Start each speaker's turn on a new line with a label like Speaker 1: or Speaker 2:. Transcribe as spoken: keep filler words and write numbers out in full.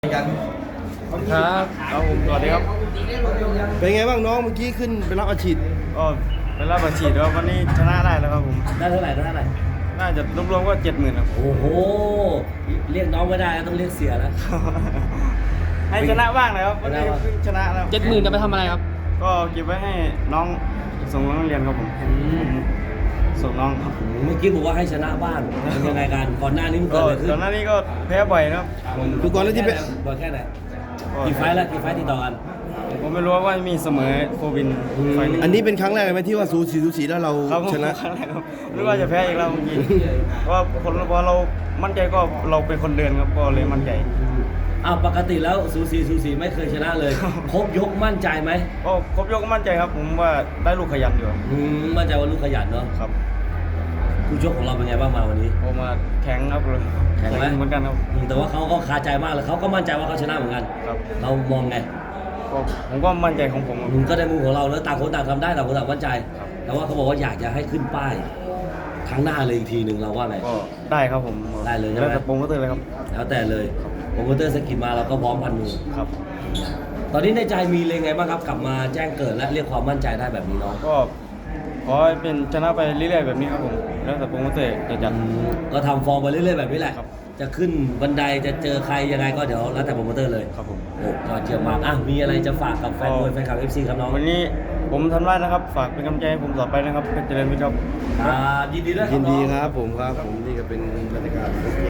Speaker 1: กัน
Speaker 2: ครับเอาผมสวัสดีครับ
Speaker 1: เป็นไงบ้างน้องเมื่อกี้ขึ้นไปรับอาชีพ
Speaker 2: ก็เป็นรับอาชีพแล้ววันนี้ชนะได้แล้วครับผม
Speaker 3: ได้เท่าไหร่ได้เท่าไหร่
Speaker 2: น่าจะรวมๆก็เจ็ดหมื่นครับ
Speaker 3: โอ้โห เรียกน้องไม่ได้ต้องเรียกเสียแล้ว
Speaker 2: ให้ชนะบ้างนะครับวันนี้เพิ่งชนะแล้ว
Speaker 4: เจ็ดหมื่นจะไปทำอะไรครับ
Speaker 2: ก็เก็บไว้ให้น้องส่งน้องเรียนครับผมส่งน้องครับ
Speaker 3: เมื่อกี้บอกว่าให้ชนะบ้านเป็นยังไงกันก่อนหน้านี้มัน
Speaker 2: ก็
Speaker 3: เกิดอะไรขึ้น
Speaker 2: ตอนหน้านี้ก็แพ้บ่อยนะครับผม
Speaker 1: ดูก่อนแล้วที่ไป
Speaker 3: บ่อยแค่ไหนกี่ไฟล์แล้วกี่ไฟล์ติดต่อกัน
Speaker 2: ผมไม่รู้ว่ามีเสมอโควินไฟล์
Speaker 1: อันนี้เป็นครั้งแรกเลยไหมที่ว่าสูสีสูสีแล้วเรา
Speaker 2: ครับผม
Speaker 1: ชนะ
Speaker 2: ครั้งแรกครับหรือว่าจะแพ้อีกแล้วเมื่อกี้เพราะว่าคนพอเรามั่นใจก็เราเป็นคนเดินครับก็เลยมั่นใจ
Speaker 3: อ้าวปกติแล้วสูสีสูสีไม่เคยชนะเลยครบยกมั่นใจไหม
Speaker 2: ก็ครบยกก็มั่นใจครับ ผมว่าได้ลูกขยันอยู่
Speaker 3: อืมมั่นใจว่าลูกขยันเนาะ
Speaker 2: ครับ
Speaker 3: ผู้ชกของเราเป็นไงบ้างมาวันนี้
Speaker 2: โอมาแข็งครับเลย
Speaker 3: แข็งไหม
Speaker 2: เหมือนกันครับ
Speaker 3: อืมแต่ว่าเขาก็คาใจมากเลยเขาก็มั่นใจว่าเขาชนะเหมือนกัน
Speaker 2: ครับ
Speaker 3: เรามองไง
Speaker 2: ก็ผมก็มั่นใจของผมครับ
Speaker 3: อืมก็ในมุมของเราแล้วต่างคนต่างทำได้ต่างคนต่างมั่นใจ
Speaker 2: ครับ
Speaker 3: แต่ว่าเขาบอกว่าอยากจะให้ขึ้นป้ายครั้งหน้าเลยอีกทีหนึ่งเราว่าไง
Speaker 2: ก็ได้ครับผม
Speaker 3: ได้เลยใช่ไหม
Speaker 2: แล้วแต่โปรโมเตอร์เลยครับ
Speaker 3: แล้วแต่เลยโปรโมเตอร์สกิดมาเราก็พร้อมพันมือ
Speaker 2: ครับ
Speaker 3: ตอนนี้ในใจมีเลยไงบ้างครับกลับมาแจ้งเกิดและเรียกความมั่นใจได้แบบนี้เนาะ
Speaker 2: ก็ขอให้เป็นชนะไปเรื่อยๆแบบนี้ครับผมแล้วแต่โปรโมเตอร์จะจัด
Speaker 3: อืมก็ทำฟอร์มไปเรื่อยๆแบบนี้แหละ
Speaker 2: ครับ
Speaker 3: จะขึ้นบันไดจะเจอใครยังไงก็เดี๋ยวแล้วแต่โปรโมเตอร์เลย
Speaker 2: ครับผม
Speaker 3: โอ้ยอดเยี่ยมมากอ่ะมีอะไรจะฝากกับแฟนมวยแฟนคลับ เอฟ ซี ครับน้อง
Speaker 2: วันนี้ผมทำได้นะครับ ฝากเป็นกำลังใจให้ผมต่อไปนะครับเป็นเจริญวิทย์ครับ
Speaker 3: อ่ายินดีด้วยครั
Speaker 1: ยิ
Speaker 3: บ
Speaker 1: น
Speaker 3: น้
Speaker 1: ดี
Speaker 3: อง
Speaker 1: ครับผมครับผมนี่ก็เป็นบรรยากาศ